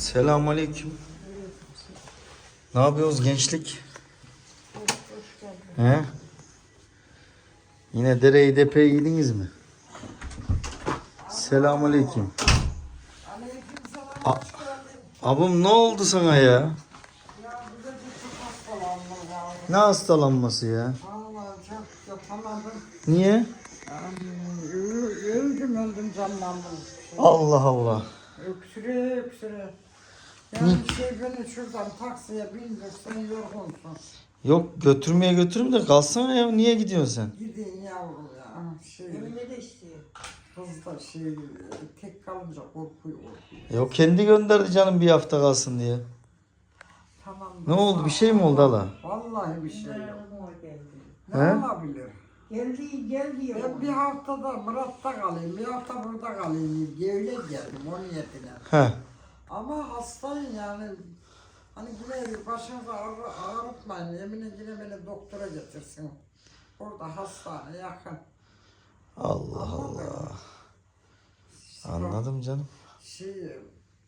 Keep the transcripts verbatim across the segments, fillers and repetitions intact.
Selamünaleyküm. Ne yapıyoruz gençlik? He? Yine dereyi depeye giydiniz mi? Selamünaleyküm. A- Abim ne oldu sana ya? Ne hastalanması ya? Vallahi çok yapamadım. Niye? Yani, öldüm öldüm canlandım. Allah Allah. Öksüre öksüre. Yani şey beni şuradan taksiye bindirsen yorgunsun. Yok götürmeye götürüm de kalsana ya. Niye gidiyorsun sen? Gidin yavrum ya. Şey, Emine de istiyor. kız da şey tek kalınca korkuyor korkuyor. Ya o kendi gönderdi canım bir hafta kalsın diye. Tamam. Ne oldu? Bir şey mi oldu hala? Vallahi bir şey yok. He? Ne olabilir? Geldi geldi Ben ya. bir haftada Murat'ta kalayım, bir hafta burada kalayım diye öyle geldim o niyetine. He. Ama hastayım yani. Hani yine başınızı ağrı, ağrıtmayın. Emine yine beni doktora getirsin. Orada hastane yakın. Allah Allah. Anladım canım. Şey,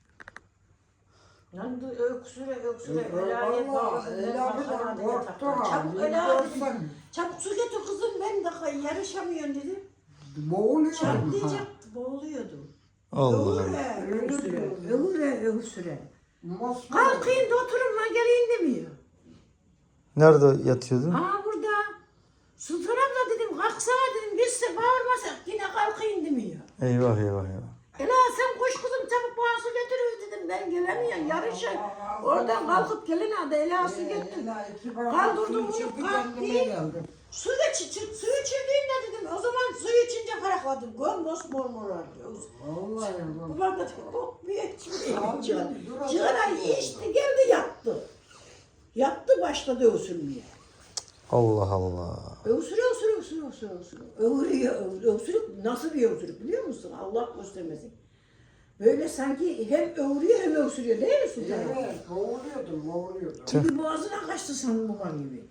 Lan da öksüre öksüre Ö- velayet vallahi bağlasın. Ela Ben bir de bakana diye korktu taktım. ha, Çabuk bir Ela görsen. dedim. Çabuk su getir kızım ben de yarışamıyorum dedim. boğuluyorum ha. Çatlayacaktı boğuluyordu. Allah Allah. Öksüre Öyle öksüre diyor. öksüre öksüre. Mosmor. Kalkayım da oturun lan geleyim demiyor. Nerede yatıyordun? Aa burada. Sultan abla dedim kalksana dedim biz de bağırmasak yine kalkayım demiyor. Eyvah eyvah eyvah. Ela sen koş kızım çabuk bana su getir dedim ben gelemiyorum yarışa. Oradan kalkıp gelin hadi Ela su getir. Ela iki bardak Kaldırdım su onu, içirdi, kalktı. kendime geldim. Su da çiçir, suyu içirdiğimde dedim o zaman suyu içince ferahladım. Göm mor mor arıyor. Vallahi Bu bu. bardak kokmuyor içmiyor. Abi, dur Cigara azıcık. içti geldi yattı. Yattı başladı öksürmeye. Allah Allah. Öksürüyor, öksürüyor, öksürüyor, öksürüyor, öksürüyor. Öğürüyor, öğürüyor. Öksürük nasıl bir öksürük biliyor musun? Allah göstermesin. Böyle sanki hem öğürüyor hem öksürüyor değil mi Sultan? Evet, boğuluyordum, boğuluyordum. Gibi boğazına kaçtı sanırım baban gibi.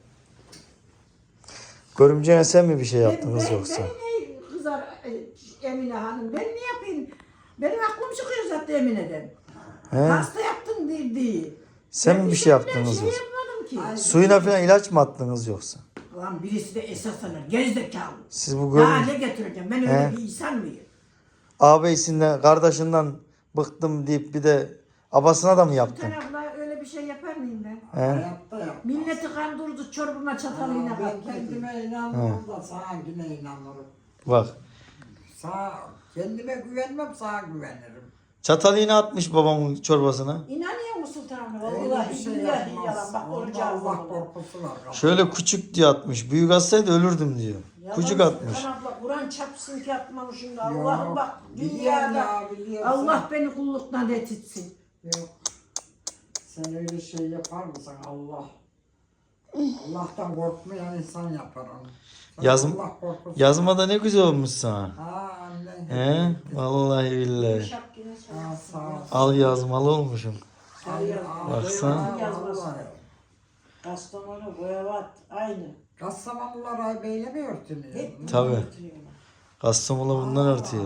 Görümcene sen mi bir şey Ben, yaptınız ben, yoksa? ben ne kızar e, Emine Hanım, ben ne yapayım? Benim aklım çıkıyor zaten Emine'den. He? Hasta yaptın diye. diye. Sen Ben mi bir şey şey yaptınız şey yoksa? yapmadım ki. Suyuna falan ilaç mı attınız yoksa? Lan birisi de esas alır, gerizekalı. Siz bu Daha görüm ne getireceğim? Ben öyle He? bir insan mıyım? ağabeysinden, kardeşinden bıktım deyip bir de abasına da mı yaptın? Sultan abla öyle bir şey yapar mıyım ben? He? Hayatta yap. Milleti kandırdı çorbama çatalıyla Ben kaptırdı. kendime inanırım da sana yine inanırım. Bak. Sana, kendime güvenmem, sana güvenirim. Çatal iğne atmış babamın çorbasına. İnanıyor musun Sultan abla? Öyle Vallahi bir şey billahi yapmaz. yalan. Bak Onda orucu aldım. Allah korkusu var. Şöyle küçük diye atmış. Büyük atsaydı ölürdüm diyor. Küçük atmış. Sultan abla Kur'an çarpsın ki atmamışım da Yok, Allah'ım bak biliyorum dünyada ya, biliyorum Allah beni kulluktan retitsin. Yok. Sen öyle şey yapar mısın Allah? Allah'tan korkmayan insan yapar onu. Sana Yazım- Allah korkusu. Yazmada ne güzel olmuş sana. Ha anne. He? Vallahi billahi. Şapkine Ha, sağ ol. Al yazmalı olmuşum. Allah- Baksana. yazması. vallahi. Kastamonu, Boyavat aynı. Kastamonular ay beyle mi örtünüyor? Hep Tabii. götürüyorlar. Kastamonu bundan örtüyor.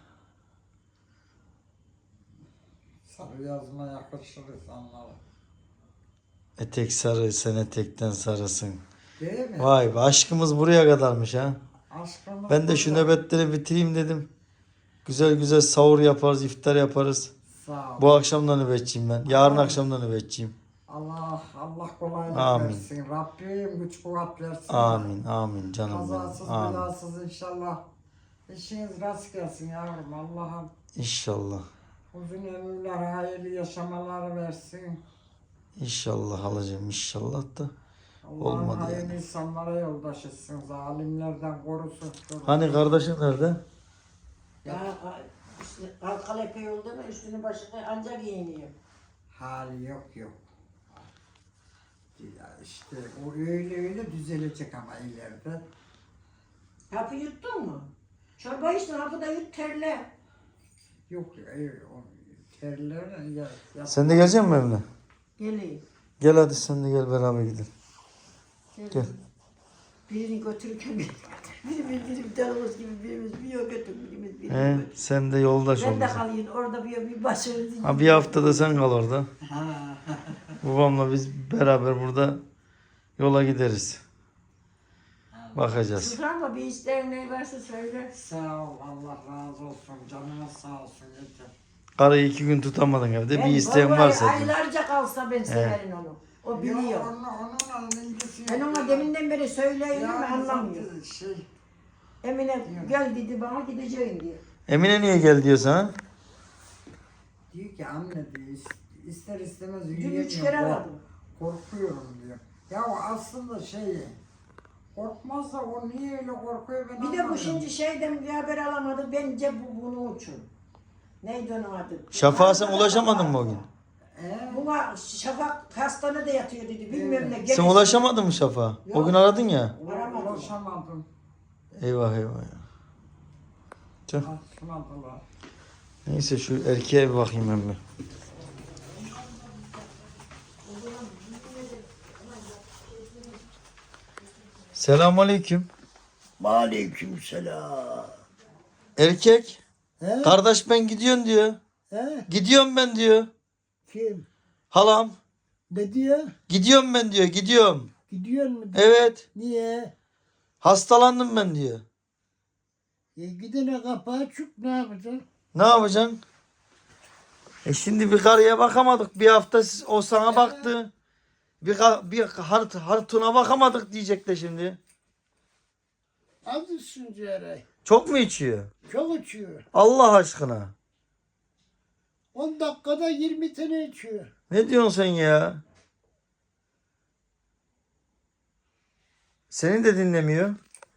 Sarı yazma yakışır insanlara. Etek sarı, sen etekten sarısın. Değil mi? Vay be aşkımız buraya kadarmış ha. Aşkımız Ben de şu burada. nöbetleri bitireyim dedim. Güzel güzel sahur yaparız, iftar yaparız. Sağ ol. Bu akşam da nöbetçiyim ben. Yarın akşam da nöbetçiyim. Allah Allah kolaylık Amin. versin. Rabbim güç kuvvet versin. Amin, amin canım Kazasız benim. Amin. belasız inşallah. İşiniz rast gelsin yavrum. Allah'ım İnşallah. uzun ömürler, hayırlı yaşamalar versin. İnşallah alacağım inşallah da. Allah'ım Olmadı hayırlı yani. insanlara yoldaş etsin. Zalimlerden korusun. Hani kardeşin nerede? Ya işte Kalkal epey oldu mu üstünü başını ancak giyiniyor. Hali yok yok. Ya işte o öyle öyle düzelecek ama ileride. Hapı yuttun mu? Çorba içtin hapı da yut terle. Yok ya o terler ya. ya Sen de gelecek misin evine? Geleyim. Gel hadi sen de gel beraber gidelim. Gel. Birini götürürken birini götür. Birimiz birimiz tanımız gibi birimiz bir yol götür, birimiz birimiz He, götür. sen de yoldaş Ben de olacaksın. kalayım orada bir bir başarı. Ha, bir haftada sen kal orada. Babamla biz beraber burada yola gideriz. Bakacağız. Sultan'la bir isteğin ne varsa söyle. Sağ ol, Allah razı olsun, canına sağ olsun yeter. Karıyı iki gün tutamadın evde. Ben Bir isteğin vallahi varsa. diyor. aylarca kalsa ben severim onu. O biliyor. Yok, onunla, onunla ilgisi Ben yok ona ya. deminden beri söyleyeyim ama Yani anlamıyor. zaten Şey, Emine gel dedi bana gideceğim diye. Emine niye gel diyor sana? diyor ki anne diyor, is- ister istemez Dün yürüyemiyorum. üç kere kork- aradım. Korkuyorum diyor. Ya o aslında şey, korkmazsa o niye öyle korkuyor ben Bir de bu anlamıyorum. şimdi şeyden bir haber alamadı. Bence bu bunun için. Neydi onun adı? Şafak'a sen ulaşamadın mı o gün? He? Buna Şafak hastanede yatıyor dedi. Bilmem ne. Sen Gene- ulaşamadın mı Şafak'a? O gün aradın ya. Aramadım. Ulaşamadım. Eyvah eyvah ya. Tüh. Açmadılar. Neyse şu erkeğe bir bakayım ben bir. Selamünaleyküm. Aleykümselam. Erkek. He? Kardeş ben gidiyorum diyor. He? Gidiyorum ben diyor. Kim? Halam. Ne diyor? Gidiyorum ben diyor. Gidiyorum. Gidiyor mu? Evet. Niye? Hastalandım ben diyor. E gidene kapağı çık ne yapacaksın? Ne yapacaksın? E şimdi bir karıya bakamadık. Bir hafta siz- o sana baktı. Bir, ka- bir hart, hartuna bakamadık diyecek de şimdi. Az üstünce yere. Çok mu içiyor? Çok uçuyor. Allah aşkına. on dakikada yirmi tane içiyor. Ne diyorsun sen ya? Seni de dinlemiyor.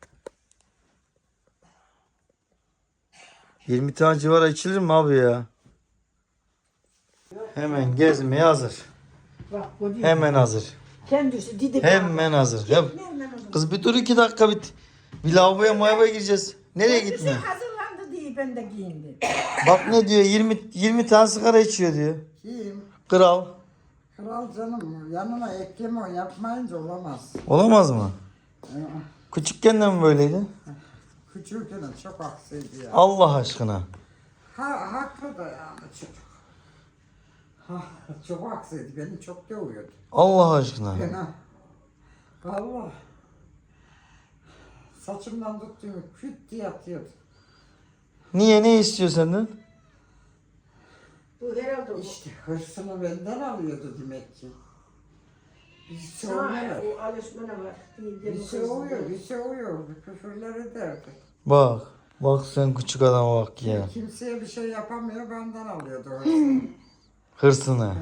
yirmi tane civara içilir mi abi ya? Hemen gezmeye hazır. Bak bu diyor. Hemen hazır. Kendisi dedi. Hemen hazır. Ya, Hemen hazır. kız bir dur iki dakika bit. Bir lavaboya mayabaya gireceğiz. Nereye Kendisi gitme? hazırlandı diye ben de giyindim. Bak ne diyor yirmi yirmi tane sigara içiyor diyor. Kim? Kral. Kral canım yanına ekleme o yapmayınca olamaz. Olamaz mı? Ee, Küçükken de mi böyleydi? Küçükken çok aksiydi ya. Allah aşkına. Ha, haklı da yani çocuk. Ha, çok aksiydi. Beni çok dövüyordu. Allah aşkına. Fena. Valla. Saçımdan tuttuğumu küt diye atıyordu. Niye ne istiyor senden? Bu herhalde bu. İşte hırsını benden alıyordu demek ki. Bir Sana soğuyor. o alışmana var. Değil de Bir bu soğuyor, bir soğuyor. Bir küfürler ederdi. Bak. Bak sen küçük adama bak ya. Kimseye bir şey yapamıyor, benden alıyordu hırsını. Hırsını.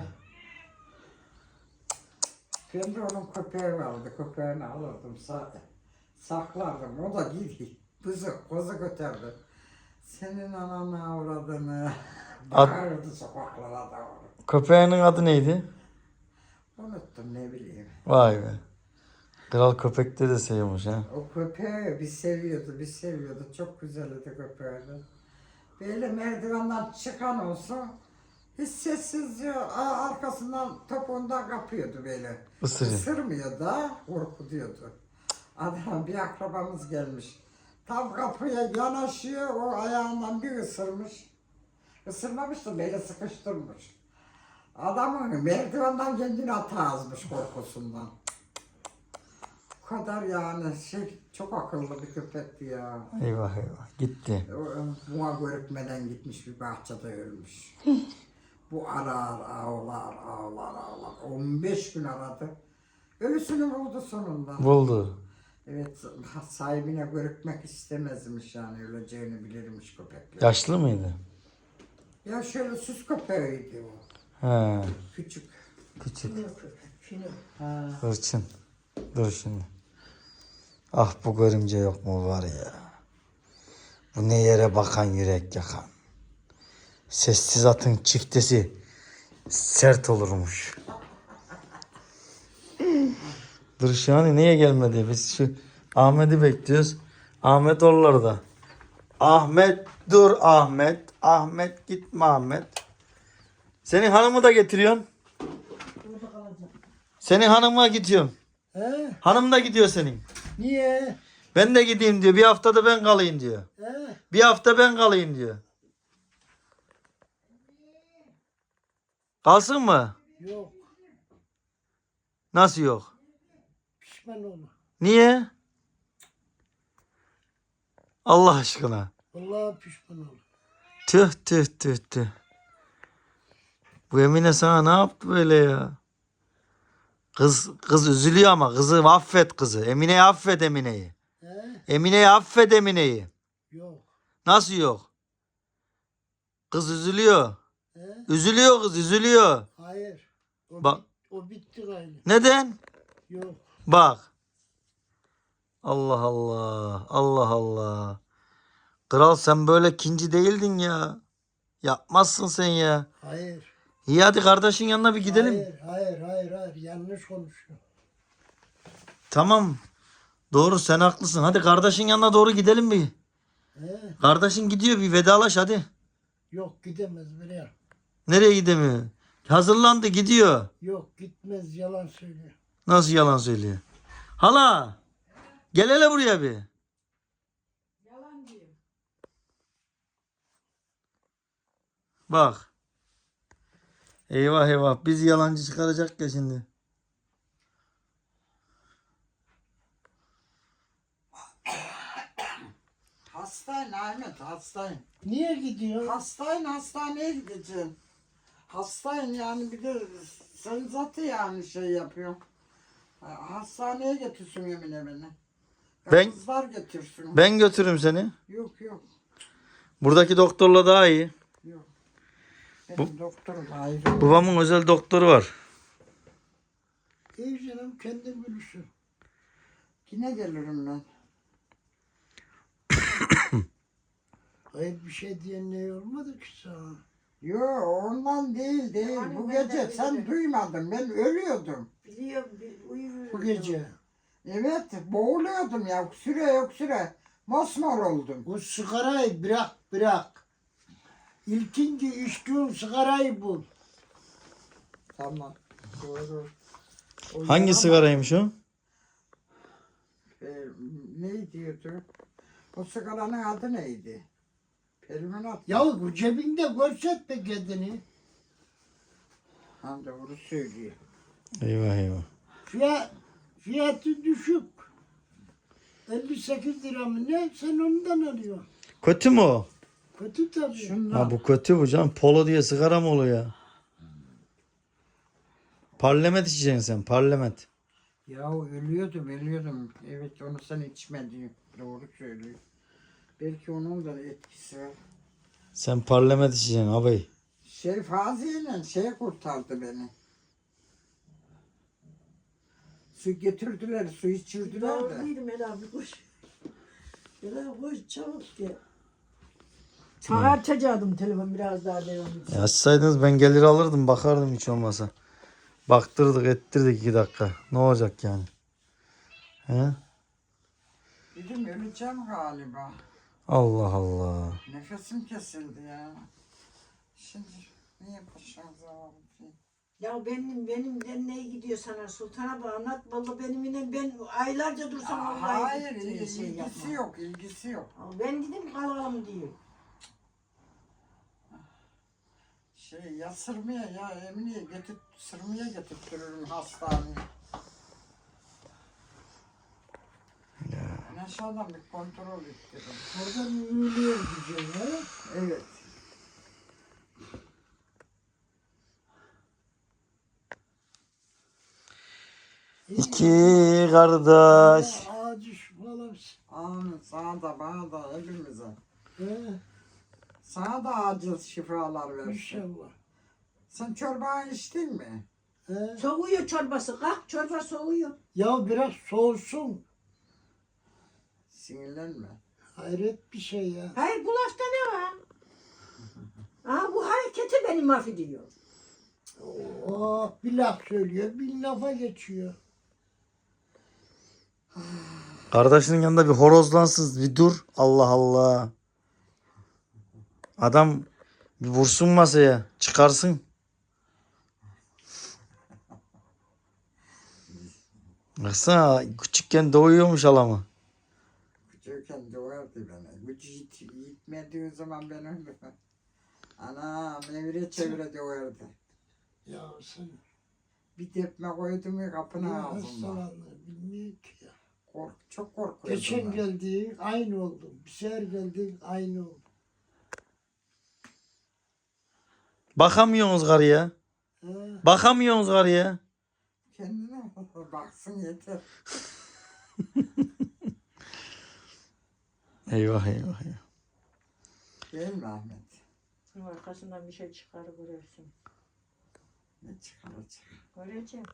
Ben de onun köpeği vardı, köpeğini alırdım, sa saklardım. O da gidiyor. Kızı, kozu götürdü. Senin ananı avradını. At- Bağırdı sokaklara doğru. Köpeğinin adı neydi? Unuttum ne bileyim. Vay be. Kral köpekte de seviyormuş ha. O köpeği bir seviyordu, bir seviyordu. Çok güzeldi köpeğini. Böyle merdivenden çıkan olsun, hiç sessizce a- arkasından topuğundan kapıyordu böyle. Isırıyor. Isırmıyor da korkutuyordu. Adam bir akrabamız gelmiş. Tam kapıya yanaşıyor, o ayağından bir ısırmış. Isırmamış da böyle sıkıştırmış. Adamın merdivenden kendini atağızmış korkusundan. Bu kadar yani şey çok akıllı bir köpekti ya. Eyvah eyvah. Gitti. O- Buna görükmeden gitmiş bir bahçede ölmüş. Bu arar, ağlar, ağlar, ağlar. on beş gün aradı. Ölüsünü buldu sonunda. Buldu. Evet, sahibine görükmek istemezmiş yani öleceğini bilirmiş köpekler. Yaşlı mıydı? Ya şöyle süs köpeğiydi o. He. Küçük. Küçük. Fino köpek, fino. Ha. Hırçın. Dur şimdi. Ah bu görümce yok mu var ya. Bu ne yere bakan yürek yakan. Sessiz atın çiftesi sert olurmuş. Dur şu an niye gelmedi? Biz şu Ahmet'i bekliyoruz. Ahmet oralarda. Ahmet dur Ahmet. Ahmet gitme Ahmet. Senin hanımı da getiriyorsun. Burada kalacak. Senin hanımına gidiyorum. He? Hanım da gidiyor senin. Niye? Ben de gideyim diyor. Bir haftada ben kalayım diyor. He? Bir hafta ben kalayım diyor. Kalsın mı? Yok. Nasıl yok? Pişman olma. Niye? Allah aşkına. Vallahi pişman olma. Tüh tüh tüh tüh. Bu Emine sana ne yaptı böyle ya? Kız kız üzülüyor ama kızı affet kızı. Emine'yi affet Emine'yi. He? Emine'yi affet Emine'yi. Yok. Nasıl yok? Kız üzülüyor. He? Üzülüyor kız üzülüyor. Hayır. O, Bak. bit- o bitti gayrı. Neden? Yok. Bak. Allah Allah. Allah Allah. Kral sen böyle kinci değildin ya. Yapmazsın sen ya. Hayır. İyi hadi kardeşin yanına bir gidelim. Hayır, hayır, hayır, hayır. Yanlış konuşuyor. Tamam. Doğru sen haklısın. Hadi kardeşin yanına doğru gidelim bir. He? Kardeşin gidiyor bir vedalaş hadi. Yok gidemez buraya. Nereye gidemiyor? Hazırlandı gidiyor. Yok gitmez yalan söylüyor. Nasıl yalan söylüyor? Hala. Gel hele buraya bir. Yalan diyor. Bak. Eyvah eyvah. Bizi yalancı çıkaracak ya şimdi. Hastayım Ahmet, hastayım. Niye gidiyor? Hastayım, hastaneye gideceğim. Hastayım yani, bir de sen zaten yani şey yapıyor. Hastaneye getirsin Emine beni. Ben- Kızlar getirsin. Ben götürürüm seni. Yok yok Buradaki doktorla daha iyi. yok. Benim doktorum ayrı. Babamın özel doktoru var. İyi canım kendin bilirsin. Yine gelirim ben. Hayır bir şey diyen ne olmadı ki sana? Yo ondan değil değil. Yani Bu ben de gece sen öyle. duymadın. Ben ölüyordum. Biliyorum, bil- uyuyorum. Bu gece. Evet boğuluyordum ya. Öksüre öksüre. Mosmor oldum. O sigarayı bırak bırak. İlkinci içtiğin sigarayı bul. Tamam. Doğru. O Hangi yana- sigaraymış o? E, ne diyordu? O sigaranın adı neydi? Permanat. Ya bu cebinde görsetme kendini. Ha doğru söylüyor. Eyvah eyvah. Fiyat, fiyatı düşük. elli sekiz lira mı ne? Sen ondan alıyorsun. Kötü mü o? Kötü tabii. Şundan. Ha bu kötü bu canım. Polo diye sigara mı oluyor ya? Parlament içeceksin sen. Parlament. Ya ölüyordum ölüyordum. Evet onu sen içmedin. Doğru söylüyor. Belki onun da etkisi var. Sen parlament içeceksin abi. Şerif Hazi'yle şey kurtardı beni. Su getirdiler, su içirdiler Doğru de. değilim Ela bir koş. Ela koş çabuk gel. Sana açacaktım telefon biraz daha devam E açsaydınız ben gelir alırdım bakardım hiç olmasa. Baktırdık ettirdik iki dakika. Ne olacak yani? He? Dedim öleceğim galiba. Allah Allah. Nefesim kesildi ya. Şimdi niye başımıza aldı? Ya benim benimden ne gidiyor sana Sultan abi anlat. Vallahi benimle ben aylarca dursam vallahi Hayır, gitti, il- şey ilgisi yapma. yok, ilgisi yok. Ben dedim kalalım diyor. Şey ya sırmaya ya Emine'ye getir, sırmaya getirtirim hastaneye. Ben aşağıdan bir kontrol ettirdim. Orada yürüyor güzel ha. Evet. İki kardeş. Ağacı şufalar. Amin. Sana da bana da hepimize. He, Sana da acil şifalar versin. inşallah. Sen çorbayı içtin mi? He. Soğuyor çorbası. Kalk çorba soğuyor. Ya biraz soğusun. Sinirlenme. Hayret bir şey ya. Hayır bu lafta ne var? Aha bu hareketi beni mahvediyor. Oh, bir laf söylüyor, bir lafa geçiyor. Kardeşinin yanında bir horozlansın bir dur. Allah Allah. Adam bir vursun masaya. Çıkarsın. Baksana küçükken doğuyormuş alamı. zaten döverdi beni. Gücü yit, yitmediği zaman ben öyle. Ana evire çevire döverdi. Ya sen Bir tepme koydum ya kapının ya ağzında. hastalanır bilmiyor ki ya. Kork, çok korkuyordum. Geçen ben. geldi aynı oldu. Bir sefer geldi aynı oldu. Bakamıyorsunuz karıya. Ha, Bakamıyorsunuz karıya. Kendine baksın yeter. Eyvah eyvah eyvah. Değil mi Ahmet? Arkasından bir şey çıkar görürsün. Ne çıkaracak? Göreceğim.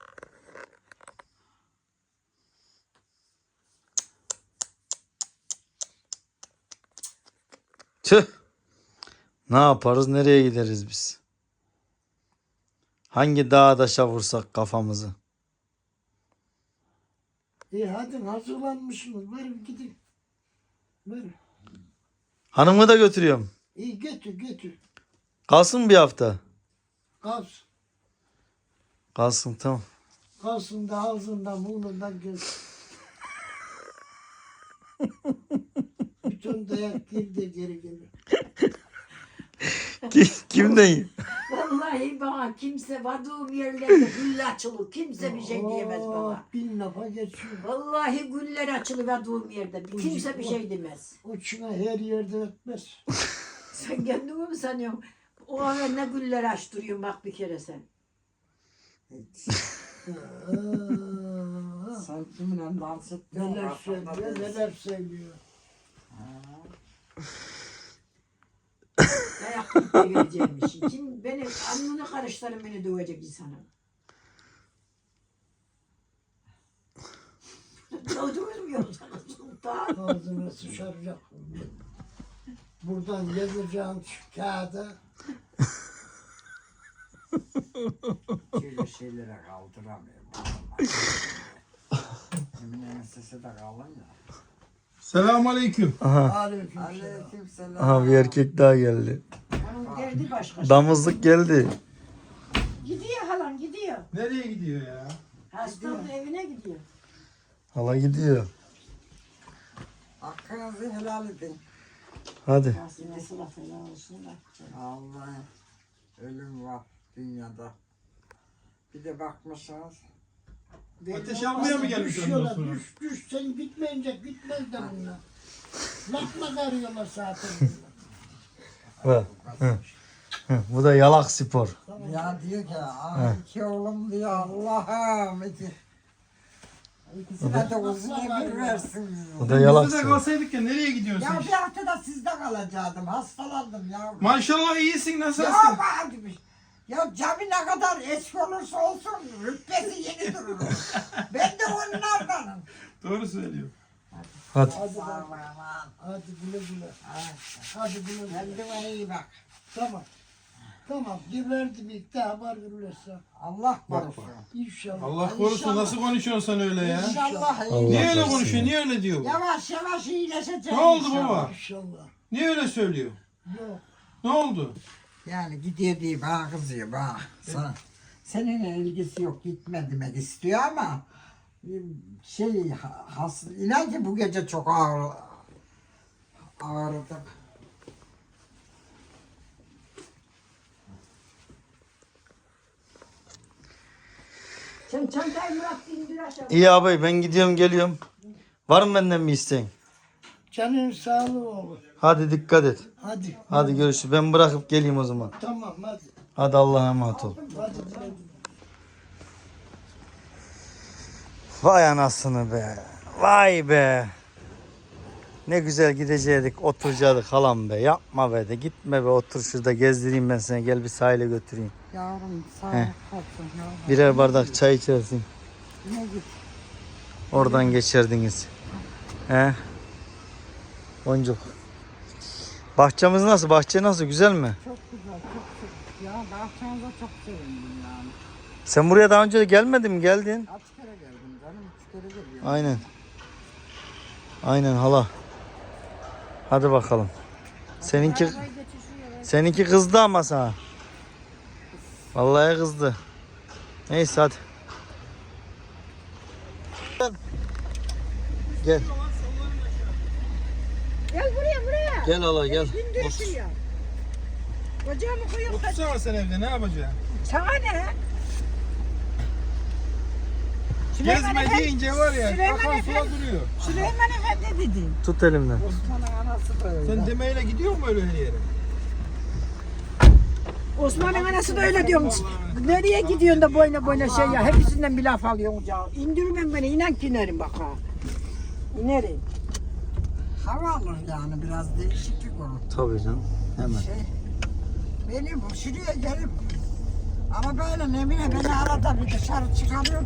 Tüh. Ne yaparız? Nereye gideriz biz? Hangi dağa taşa vursak kafamızı? İyi hadi hazırlanmışsınız. Verin gidin. Verin. Hanımı da götürüyorum. İyi götür götür. Kalsın bir hafta. Kalsın. Kalsın tamam. Kalsın da ağzından burnundan gel. Bütün dayak geri de geri gelir. Kim, kimden? Vallahi bana kimse vadığım yerlerde gülle açılı. Kimse bir şey diyemez Aa, bana. bin lafa geçiyor. Vallahi güller açılı vadığım yerde. Kimse bir şey demez. O çına her yerde ötmez. Sen kendini mi sanıyorsun? O ara ne güller açtırıyorsun bak bir kere sen. Hiç. Aa, Sen kiminle dans ettin? neler söylüyor neler söylüyor. Dayak da vereceğim işi. Kim beni alnını karıştırın beni dövecek insana. Dövdürmüyor sana sultan. Ağzına sıçaracak. Buradan yazacağım şu kağıda. Şöyle şeylere kaldıramıyorum. Emine'nin sesi de kalın ya. Selamünaleyküm. Aha. Aleyküm selam. Aleykümselam. Aha bir erkek daha geldi. Onun derdi başka. Damızlık geldi. Gidiyor halam gidiyor. Nereye gidiyor ya? Hastanın evine gidiyor. Hala gidiyor. Hakkınızı helal edin. Hadi. Nasıl laf helal olsun da. Allah ölüm var dünyada. Bir de bakmışsınız. Ateş almaya mı gelmiş ondan Düşüyorlar, sonra? düş, düş, sen gitmeyince gitmez de bunlar. Lafla arıyorlar zaten bunlar. Bak. Hı. Hı. Bu da yalak spor. Ya diyor ki ah iki oğlum diyor Allah'ım iki. İkisine de uzun ömür versin diyor. Bu da yalak Biz de spor. kalsaydık ya nereye gidiyorsun Ya sen? bir hafta da sizde kalacaktım. Hastalandım ya. Maşallah iyisin nasılsın? Ya hadi bir. Ya cami ne kadar eski olursa olsun rütbesi yeni durur. Ben de onlardanım. Doğru söylüyor. Hadi. Hadi Sağ ol bak, aman. hadi güle güle. Ha, Hadi güle güle. kendine iyi bak. Tamam. Tamam, geberdim ilk de haber verirse. Allah korusun. İnşallah. Allah korusun nasıl konuşuyorsun sen öyle ya? İnşallah iyi. Allah Niye öyle korusun konuşuyor? ya. Niye öyle diyor? bu? Yavaş yavaş iyileşecek. Ne oldu inşallah. baba? İnşallah. Niye öyle söylüyor? Yok. Ne oldu? Yani gidiyor diye bana kızıyor bana. Sana. Seninle ilgisi yok gitme demek istiyor ama şey has, inan ki bu gece çok ağır ağrıdım. Sen çantayı Murat indir aşağı. İyi abi ben gidiyorum geliyorum. Var mı benden bir isteğin? Canın sağlığı olur. Hadi dikkat et. Hadi. Hadi görüşürüz. Ben bırakıp geleyim o zaman. Tamam hadi. Hadi Allah'a emanet ol. Hadi güle güle. Vay anasını be. Vay be. Ne güzel gidecektik, oturacaktık halam be. Yapma be de gitme be, otur şurada gezdireyim ben seni. Gel bir sahile götüreyim. Yavrum sağ ol. He. olsun yavrum. Birer bardak çay içersin. Ne git. Oradan geçerdiniz. He? Boncuk. Bahçemiz nasıl? Bahçe nasıl? Güzel mi? Çok güzel, çok çok. Ya bahçenize çok sevindim yani. Sen buraya daha önce de gelmedin mi? Geldin. Kaç kere geldim canım, üç kere geliyorum. Aynen. Aynen hala. Hadi bakalım. Seninki seninki kızdı ama sana. Vallahi kızdı. Neyse hadi. Gel. Gel buraya buraya. Gel hala gel. İndir Otur. şuraya. Bacağımı koyuyorum. Otursana sen evde ne yapacaksın? Sana ne? Süleyman Gezme Efendi- deyince var ya Süleyman akan sular Efendi- duruyor. Süleyman Efendi dedi. Tut elimden. Osman'ın anası böyle. Sen demeyle gidiyor mu öyle her yere? Osman'ın anası da öyle diyormuş. Nereye gidiyorsun da boyuna boyuna şey ya. Hepsinden bir laf alıyorsun ya. İndirmem beni. İnan ki inerim bak ha. İnerim. Hava alır yani biraz değişiklik olur. Tabii canım. Hemen. Şey, beni bu şuraya gelip ama böyle Nemine beni arada bir dışarı çıkarıyor